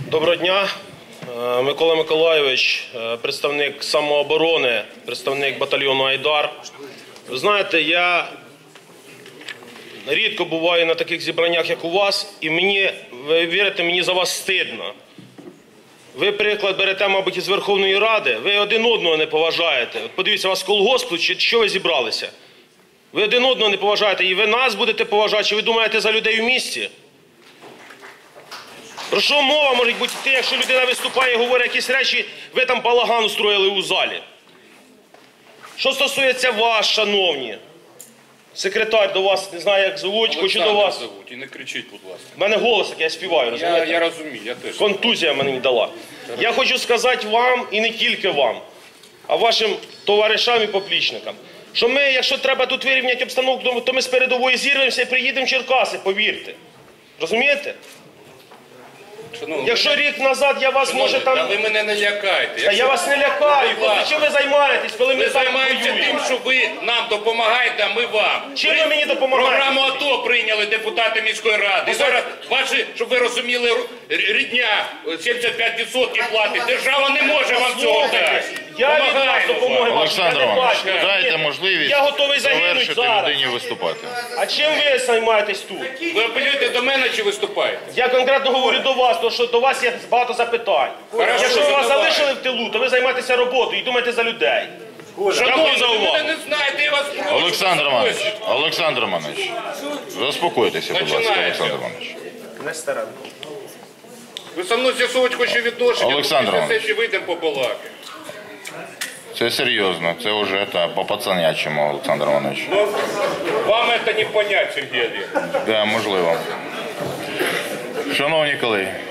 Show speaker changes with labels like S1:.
S1: Доброго дня. Микола Миколайович, представник самооборони, представник батальйону «Айдар». Ви знаєте, я рідко буваю на таких зібраннях, як у вас, і мені, ви вірите, мені за вас стидно. Ви приклад берете, мабуть, із Верховної Ради, ви один одного не поважаєте. От подивіться, у вас колгосп, чи що ви зібралися? Ви один одного не поважаєте, і ви нас будете поважати, чи ви думаєте за людей в місті? Про що мова може бути йти, якщо людина виступає і говорить якісь речі, ви там балаган устроїли у залі? Що стосується вас, шановні, секретар до вас, не знаю, як звуть, хочу до вас.
S2: Зовуть, і не кричіть, будь ласка.
S1: У мене голос, як я співаю, розумієте?
S2: Я розумію, я теж.
S1: Контузія мені не дала. Я хочу сказати вам, і не тільки вам, а вашим товаришам і поплічникам, що ми, якщо треба тут вирівняти обстановку, то ми з передової зірвемося і приїдемо в Черкаси, повірте. Розумієте?
S2: Шановні,
S1: Якщо рік назад я вас, може, там...
S2: Та ви мене не лякайте.
S1: Та я вас не лякаю. Чим ви займаєтесь, коли ми
S2: Ми
S1: там
S2: займаємося
S1: воюємо?
S2: тим, що ви нам допомагаєте, а ми вам.
S1: Чим ви мені допомагаєте?
S2: Програму АТО прийняли депутати міської ради. І зараз ваші, щоб ви розуміли, рідня 75% платить. Держава не може вам цього дати.
S1: Я від вас допомоги вашої,
S3: Олександр
S1: я не
S3: Іванович,
S1: бачу.
S3: дайте можливість
S1: Я готовий загинути
S3: завершити
S1: зараз.
S3: людині виступати.
S1: А чим ви займаєтесь тут?
S2: Ви апелюєте до мене чи виступаєте?
S1: Я конкретно говорю до вас, тому що до вас є багато запитань.
S2: Хорошо,
S1: Якщо ви вас
S2: задавай.
S1: залишили в тилу, то ви займаєтеся роботою і думаєте за людей.
S2: Шановні,
S1: за
S2: ви
S1: увагу.
S2: мене не знаєте, я вас прошу.
S3: Олександр Іванович, заспокойтеся, будь ласка,
S2: Починається.
S3: Олександр Іванович.
S1: Не старе.
S2: Ви со мною з'ясовувати хочете відношення,
S3: Олександр
S2: після
S3: Іванович.
S2: сесії вийдемо побалакати.
S3: Це серйозно, це вже по пацанячому, Олександр Іванович.
S2: Ну, вам це не понять, Сергій Олегович.
S3: Да, можливо. Шановні колеги,